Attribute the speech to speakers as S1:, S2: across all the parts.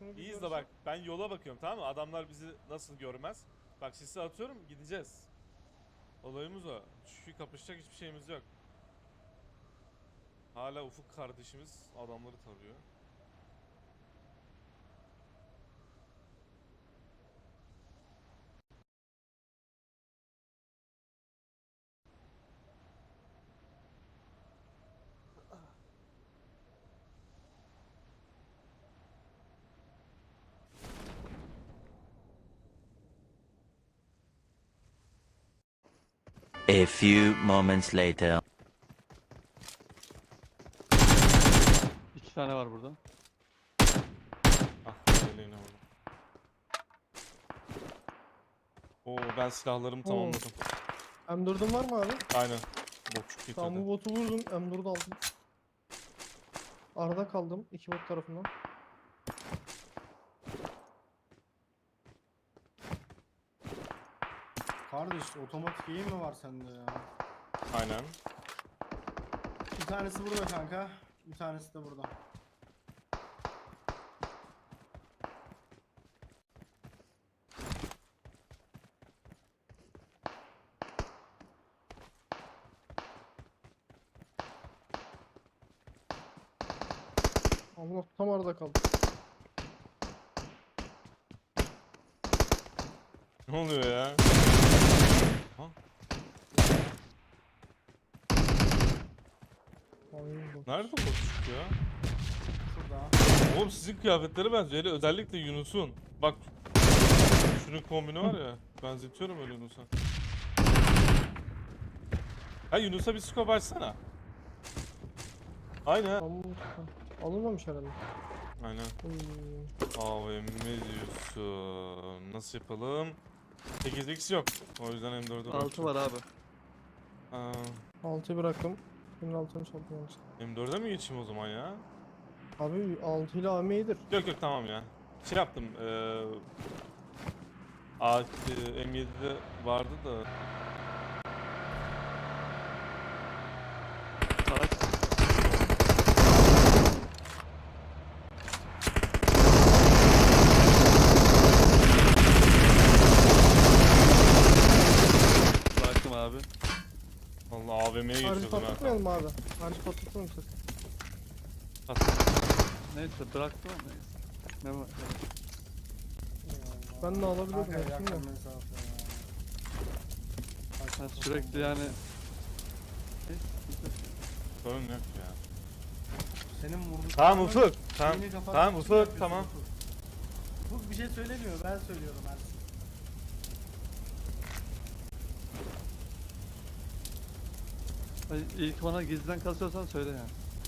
S1: şunu bir
S2: İyi izle
S1: görsem.
S2: bak. Ben yola bakıyorum, tamam mı? Adamlar bizi nasıl görmez. Bak sisi atıyorum, gideceğiz. Olayımız o. Çünkü kapışacak hiçbir şeyimiz yok. Hala Ufuk kardeşimiz adamları tarıyor.
S3: A few moments later.
S4: İki tane var burada.
S2: Ah, yeleğine vurdum. Oo, ben silahlarımı
S1: Oo.
S2: tamamladım.
S1: M4'ün var mı abi?
S2: Aynen. Bokçuk getirdi.
S1: Tamam, bu botu vurdum. M4'ü aldım. Arada kaldım. İki bot tarafından.
S5: Kardeş otomatik eğim mi var sende ya?
S2: Aynen.
S5: Bir tanesi burada kanka. Bir tanesi de burada.
S1: Allah, tam arada kaldım.
S2: Ne oluyor ya? Ha?
S1: Ay, bot.
S2: Nerede bokçuk ya?
S5: Şurada.
S2: Oğlum sizin kıyafetlere benziyor. Hele özellikle Yunus'un. Bak şunun kombini var ya. Benzetiyorum öyle Yunus'a. Ha, Yunus'a bir scope açsana. Aynen.
S1: Alınmamış, alınmamış herhalde.
S2: Aynen.
S1: Oy.
S2: AVM diyorsun. Nasıl yapalım? 8x yok. O yüzden M4'ü
S4: 6 var abi.
S2: Aa,
S1: 6'yı bıraktım. Senin altını çaldım yalnız.
S2: M4'e mi geçeyim o zaman ya?
S1: Abi 6 ile AM iyidir.
S2: Yok yok, tamam ya. Şey yaptım. M7'de vardı da.
S4: Araç. Bıraktım abi.
S2: Vallahi AVM'ye
S1: Harcı
S2: geçiyordum ha.
S1: patlatmayalım abi. Harcı patlatmayalım sakın.
S4: Neyse bıraktım ama neyse. Ne var?
S5: Eyvallah.
S1: Ben de alabiliyordum
S5: Kanka
S1: hepsini de.
S5: yakın mesafe ya.
S4: Ben sürekli yani... Neyse, güzel.
S2: Sorun yok ya.
S5: Senin vurduklarının
S2: Tamam Ufuk. Tamam.
S5: şeyini kapatmak
S2: Tamam
S5: için
S2: Ufuk,
S5: yapıyorsun
S2: tamam.
S5: Ufuk. Ufuk bir şey söylemiyor, ben söylüyorum her şeyi.
S4: Ay, İlk bana gizliden kasıyorsan söyle yani.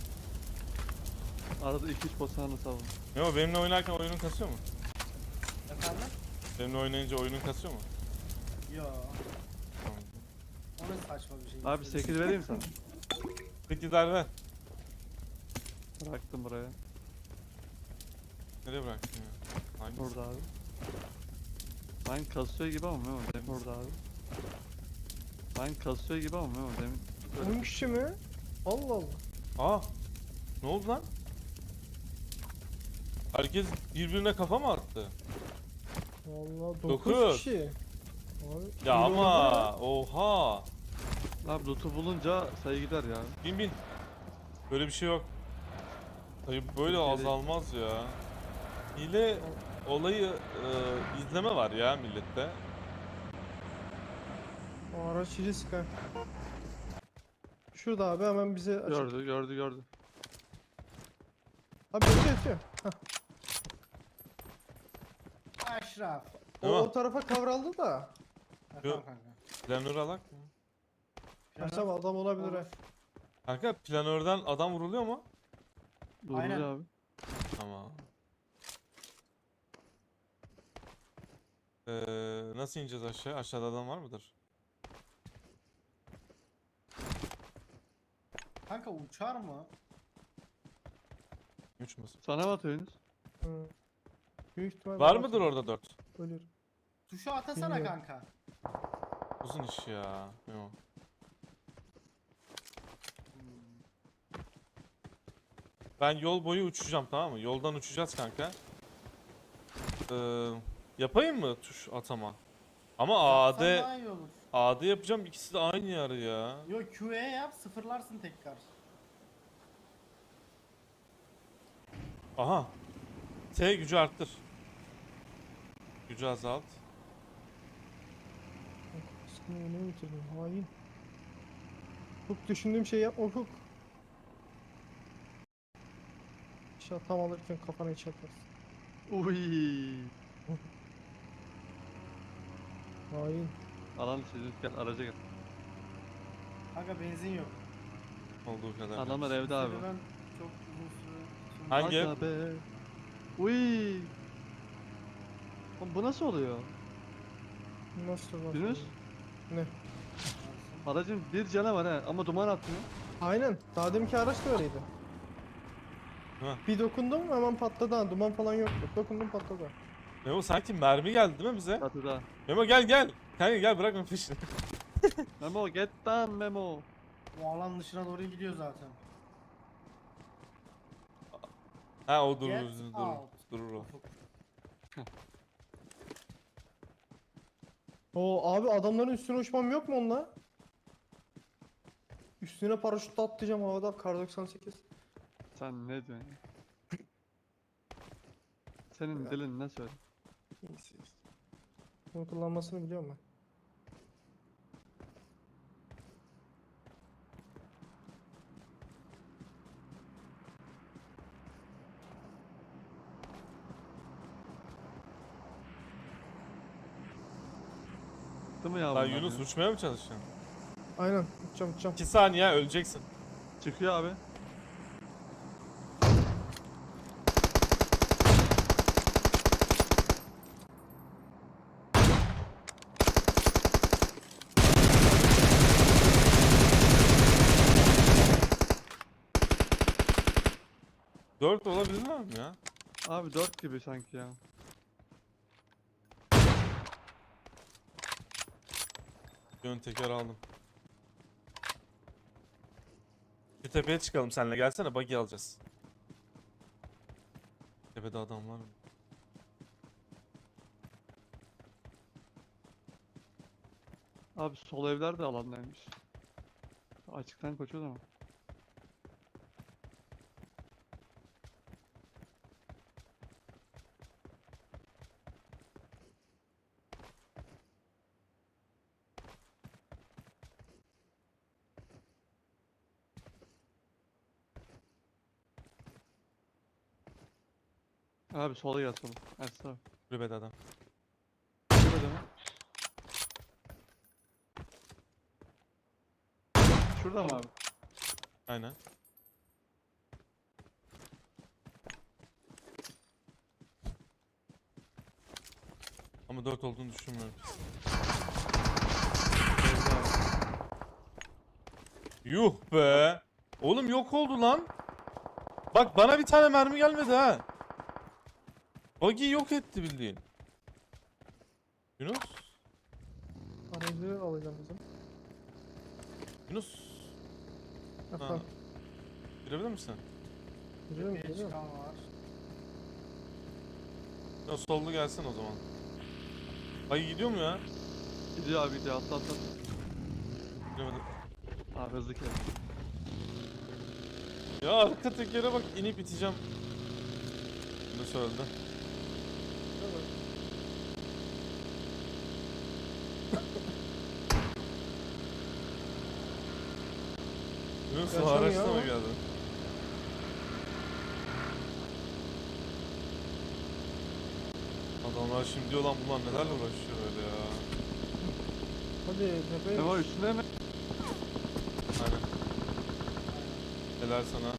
S4: Arada 2-3 basağını savun.
S2: Ne o, benimle oynarken oyunun kasıyor mu?
S5: Efendim?
S2: Benimle oynayınca oyunun kasıyor mu?
S5: Yo.
S2: Tamam.
S5: O ne saçma bir şey.
S4: Abi 8 vereyim sana.
S2: 8 ver.
S4: Bıraktım buraya.
S2: Nereye bıraktın ya? Hangisi?
S4: Burada abi. Ben kasıyor gibi ama Memo demin. Burada abi. Ben kasıyor gibi ama Memo demin.
S1: 10 kişi mi? Allah Allah.
S2: Aa! Ne oldu lan? Herkes birbirine kafa mı attı?
S1: Vallahi 9
S2: Dokuz.
S1: kişi. Abi,
S2: Ya
S1: iyi
S2: ama
S1: oynadılar.
S2: oha!
S4: Abi loot'u bulunca sayı gider ya.
S2: Bin. Böyle bir şey yok. Hayır, böyle
S4: Türkiye'de-
S2: azalmaz ya. Hile olayı izleme var ya millette.
S1: O araç risk ha. Şurada abi, hemen bize açık.
S4: Gördü.
S1: Abi yatıyor.
S5: Aşraf.
S2: Değil mi?
S1: O tarafa kavraldı da.
S5: Efendim
S2: Yok.
S5: kanka.
S2: Planör alak mı?
S1: Kaçam adam olabilir ha.
S5: Olur.
S2: Kanka planörden adam vuruluyor mu?
S4: Doğru
S5: Aynen.
S4: abi.
S2: Tamam. Nasıl ineceğiz aşağı? Aşağıda adam var mıdır?
S5: Kanka uçar mı?
S2: Uçmasın.
S4: Sana mı atıyorsunuz?
S1: Hı. Büyük ihtimal
S2: Var
S1: ben
S2: mıdır
S1: atayım.
S2: orada 4?
S1: Ölür.
S5: Tuşu atasana
S1: Bilmiyorum.
S5: kanka.
S2: Uzun iş ya. Yok. Ben yol boyu uçacağım, tamam mı? Yoldan uçacağız kanka. Yapayım mı tuş atama? Ama
S5: Yapsan
S2: AD
S5: daha iyi olur.
S2: AD yapacağım, ikisi de aynı yer ya.
S5: Yok QE yap, sıfırlarsın tekrar.
S2: Aha. T gücü arttır. Gücü azalt.
S1: Sıkını yeni bitirdim. Hain. Hukuk düşündüğüm şeyi yapma hukuk. İnşallah tam alırken kafana hiç atarsın.
S4: Uy.
S1: Hain.
S4: Alan çocuk gel araca gel.
S5: Kanka benzin yok.
S2: Olduğu kadar.
S4: Adamlar evde abi.
S5: Ben çok uzun süre...
S2: Hangi ev?
S4: Aga be. Uy. Oğlum bu nasıl oluyor?
S1: Nasıl var?
S4: Yunus?
S1: Ne?
S4: Aracın bir canı var he ama duman atmıyor.
S1: Aynen. Daha deminki araç da öyleydi.
S2: Ha.
S1: Bir dokundum hemen patladı ha. Duman falan yoktu. Dokundum patladı.
S2: Memo sanki mermi geldi değil mi bize?
S4: Çatıda.
S2: Memo gel gel. Kanka gel, bırakma peşini.
S4: Memo get down Memo.
S5: Bu alan dışına doğru gidiyor zaten.
S2: Ha o durur,
S5: Get
S2: durur.
S5: out.
S2: Durur o.
S1: Oo abi adamların üstüne uçmam yok mu onunla? Üstüne paraşütle atlayacağım havada kar 98.
S4: Sen ne diyorsun ya? Senin dilin ne söyle?
S1: Bunu kullanmasını biliyorum ben.
S4: Değil mi ya
S2: Lan
S4: bunlar
S2: Yunus
S4: ya?
S2: uçmaya mı çalışıyorsun?
S1: Aynen uçacağım uçacağım.
S2: 2 saniye öleceksin.
S4: Çıkıyor abi.
S2: Dört olabilir mi ya?
S4: Abi 4 gibi sanki ya.
S2: Ön teker aldım. Şu tepeye çıkalım seninle, gelsene, buggy alacağız. Tepede adam var mı?
S4: Abi sol evler de alandaymış. Açıktan koşuyor ama. Abi sola gel sola. Ersin abi.
S2: Kulübede adam.
S4: Şurada mı? Şurada mı abi?
S2: Aynen. Ama 4 olduğunu düşünmüyorum.
S4: Evde abi.
S2: Yuh be. Oğlum yok oldu lan. Bak bana bir tane mermi gelmedi ha. Buggy yok etti bildiğin. Yunus.
S1: Aracı alacağım bizim.
S2: Yunus.
S1: Efendim.
S2: Girebilir misin?
S1: Geliyorum
S5: Tepeye
S1: geliyorum.
S5: çıkan var.
S2: Ya sollu gelsin o zaman. Buggy gidiyor mu ya?
S4: Gidiyor abi gidiyor atla atla.
S2: Giremedim.
S4: Abi hızlı kes.
S2: Ya arka tekere bak, inip iteceğim. Yunus öldü. Yunus o
S1: Yaşamıyor
S2: araçla mı
S1: ama.
S2: geldi? Adamlar şimdi diyor lan, bunlar nelerle uğraşıyor öyle ya.
S1: Hadi tepeye.
S4: Memo üstüne mi?
S2: Aynen. Helal sana.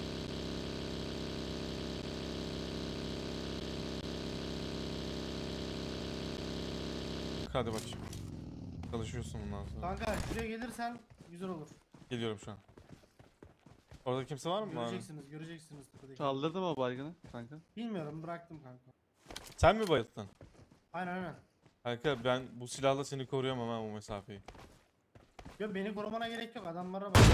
S2: Hadi bakayım. Çalışıyorsun bundan sonra.
S5: Kanka şuraya gelirsen güzel olur.
S2: Geliyorum şu an. Orada kimse var mı?
S5: Göreceksiniz, göreceksiniz tepedeki.
S4: Kaldırdım o baygını kanka.
S5: Bilmiyorum, bıraktım kanka.
S2: Sen mi bayılttın?
S5: Aynen aynen.
S2: Kanka ben bu silahla seni koruyamam ha, bu mesafeyi.
S5: Yo beni korumana gerek yok, adamlara bak.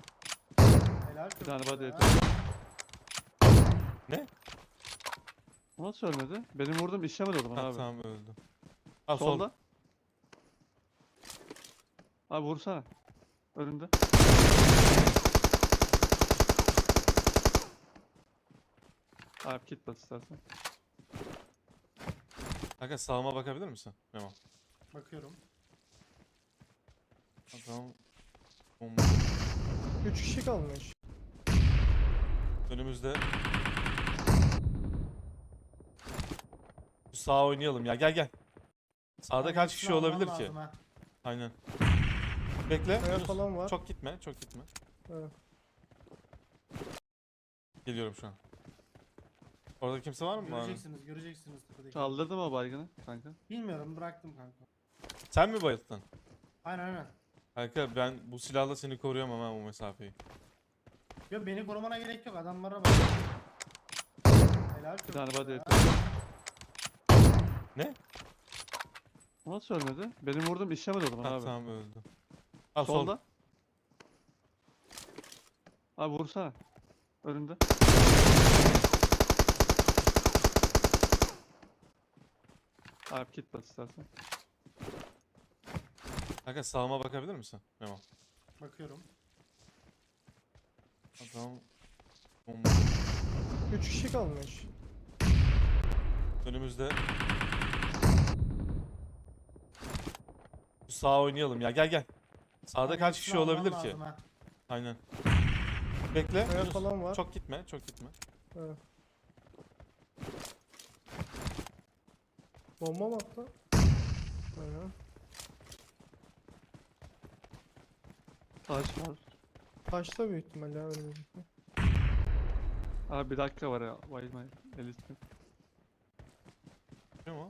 S5: Helal çok
S4: tane
S5: güzel
S4: body
S5: ya.
S4: yeter.
S2: Ne?
S4: O nasıl ölmedi? Benim vurdum işlemedi o zaman
S2: Ha,
S4: abi.
S2: tamam öldü. Ha,
S4: Solda. Abi vursana. Önünde. Abi kit bas istersen.
S2: Kanka sağıma bakabilir misin? Memo.
S5: Bakıyorum.
S2: Adam bomba.
S1: 3 kişi kalmış.
S2: Önümüzde. Şu sağa oynayalım ya. Gel gel. Sağda
S5: Abi
S2: kaç
S5: hepsini
S2: kişi
S5: alman
S2: olabilir ki?
S5: lazım ha.
S2: Aynen. Bekle.
S1: Kaya
S2: Yunus.
S1: falan var.
S2: Çok gitme, çok gitme.
S1: Evet.
S2: Geliyorum şu an. Orada kimse var mı?
S5: Göreceksiniz tepedeki.
S4: Kaldırdım o baygını kanka.
S5: Bilmiyorum, bıraktım kanka.
S2: Sen mi bayıldın?
S5: Aynen.
S2: Kanka ben bu silahla seni koruyamam ha bu mesafeyi.
S5: Yo, beni korumana gerek yok, adamlara bak. Helal
S4: Bir tane body
S5: ya.
S4: yeter.
S2: Ne?
S4: O nasıl ölmedi? Benim vurdum işlemedi o zaman
S2: Ha,
S4: abi.
S2: tamam öldü. Ha,
S4: Solda. Abi vursana. Önünde. Abi kit bas istersen.
S2: Kanka sağıma bakabilir misin? Memo.
S5: Bakıyorum.
S2: Adam bomba.
S1: 3 kişi kalmış.
S2: Önümüzde. Şu sağa oynayalım ya. Gel gel. Sağda
S5: Abi
S2: kaç
S5: hepsini
S2: kişi
S5: alman
S2: olabilir ki?
S5: lazım ha.
S2: Aynen. Bekle.
S1: Kaya
S2: Yunus.
S1: falan var.
S2: Çok gitme, çok gitme.
S1: Evet. Bomba mı attı? Aynen.
S4: Taş var.
S1: Taşta büyük ihtimalle ya önümüzdeki.
S4: Abi bir dakika var ya. Bayılmayın. Elismi.
S2: Değil mi o?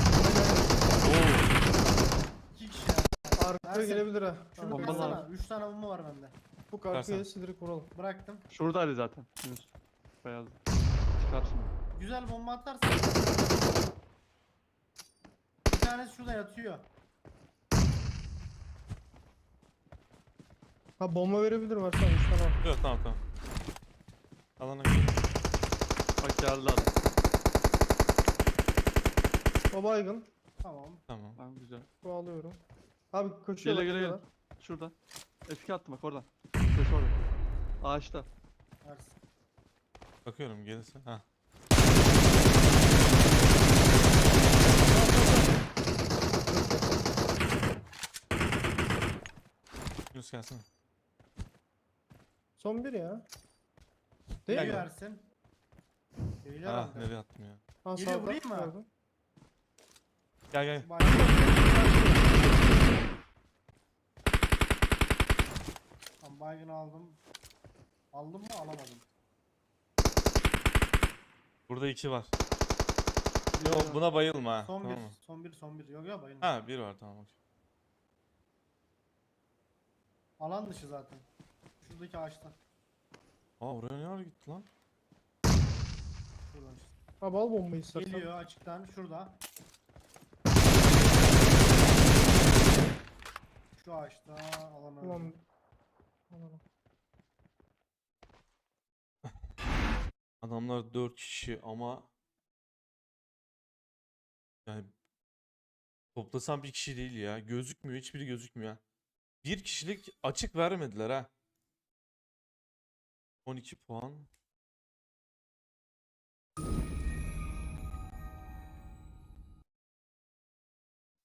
S5: İki kişi ya.
S1: Arkaya
S5: Ersin,
S1: gelebilir ha.
S5: Şunu
S4: Bomba
S5: kırsana.
S4: lazım.
S5: 3 tane bomba var bende.
S1: Bu arkaya
S2: Versene.
S1: gelirse direkt vuralım.
S5: Bıraktım.
S4: Şuradaydı zaten. Yunus. Beyaz. Çıkar şimdi.
S5: Güzel bomba atarsın. Bir tanesi şurada yatıyor.
S1: Ha bomba verebilir varsa 3 tane al.
S2: Yok, tamam tamam. Alana gidelim.
S4: Bak geldi adam.
S1: O baygın.
S5: Tamam.
S2: Tamam.
S4: Tamam güzel.
S1: Bu alıyorum. Abi koşuyor.
S4: Gele
S1: bak,
S4: gele gele.
S1: buradalar.
S4: Şuradan. F2 attım bak oradan. Ses orada. Ağaçta.
S5: Ersin.
S2: Bakıyorum gelirse. Ha. Yunus gelsene.
S1: Son bir ya. Değil
S2: Gel
S1: mi?
S5: Geliyor
S2: ya.
S5: Ersin. Geliyor
S2: Ah,
S5: herhalde.
S2: nereye attım ya?
S1: Ha,
S5: Geliyor,
S1: sağda,
S5: vurayım mı?
S1: gördüm.
S2: Gel gel.
S5: Tamam, baygını aldım. Aldım mı, alamadım.
S2: Burada 2 var.
S1: Yok.
S2: Yok, buna bayılma ha.
S5: Son
S2: Tamam
S5: bir,
S2: mı?
S5: son bir. Yok ya, bayılma.
S2: Ha, bir var, tamam. Okey.
S5: Alan dışı zaten. Şuradaki ağaçta.
S2: Aa, oraya ne ara gitti lan?
S5: Şuradan işte.
S1: Abi al bombayı istersen.
S5: Geliyor açıktan, şurada. Şu ağaçta alan öldü.
S1: Ulan. Ulan.
S2: Adamlar 4 kişi ama yani toplasam bir kişi değil ya. Gözükmüyor, hiçbiri gözükmüyor. Bir kişilik açık vermediler ha. 12 puan.